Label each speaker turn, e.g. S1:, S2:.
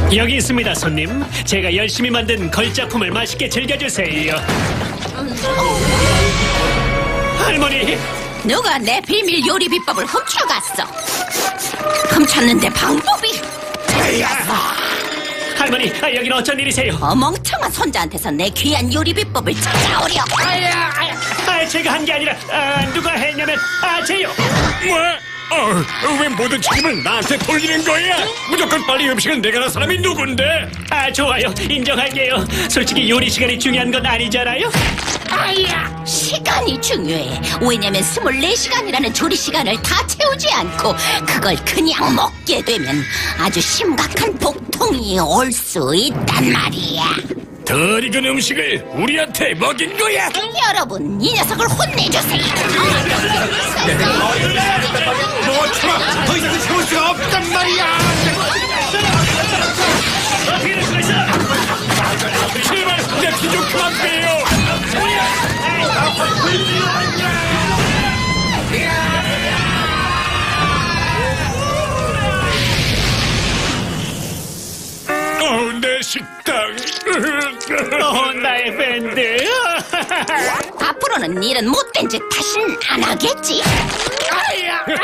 S1: 여기 있습니다, 손님. 제가 열심히 만든 걸작품을 맛있게 즐겨주세요. 할머니,
S2: 누가 내 비밀 요리 비법을 훔쳐갔어. 훔쳤는데 방법이 틀렸어.
S1: 할머니, 여긴 어쩐 일이세요?
S3: 멍청한 손자한테서 내 귀한 요리 비법을 찾아오려.
S1: 제가 한 게 아니라 누가 했냐면 제요.
S4: 왜 모든 책임을 나한테 돌리는 거야? 무조건 빨리 음식은 내가 할 사람이 누군데?
S1: 좋아요. 인정할게요. 솔직히 요리 시간이 중요한 건 아니잖아요.
S3: 시간이 중요해. 왜냐면 24시간이라는 조리 시간을 다 채우지 않고 그걸 그냥 먹게 되면 아주 심각한 복통이 올 수 있단 말이야.
S4: 덜 익은 음식을 우리한테 먹인 거야?
S3: 여러분, 이 녀석을 혼내주세요.
S4: 더 이상 참을 수가 없단 말이야! 제발 내 피 좀 그만 빼요! 내 식당!
S1: 나의 밴드.
S3: 앞으로는 이런 못된 짓 다신 안 하겠지.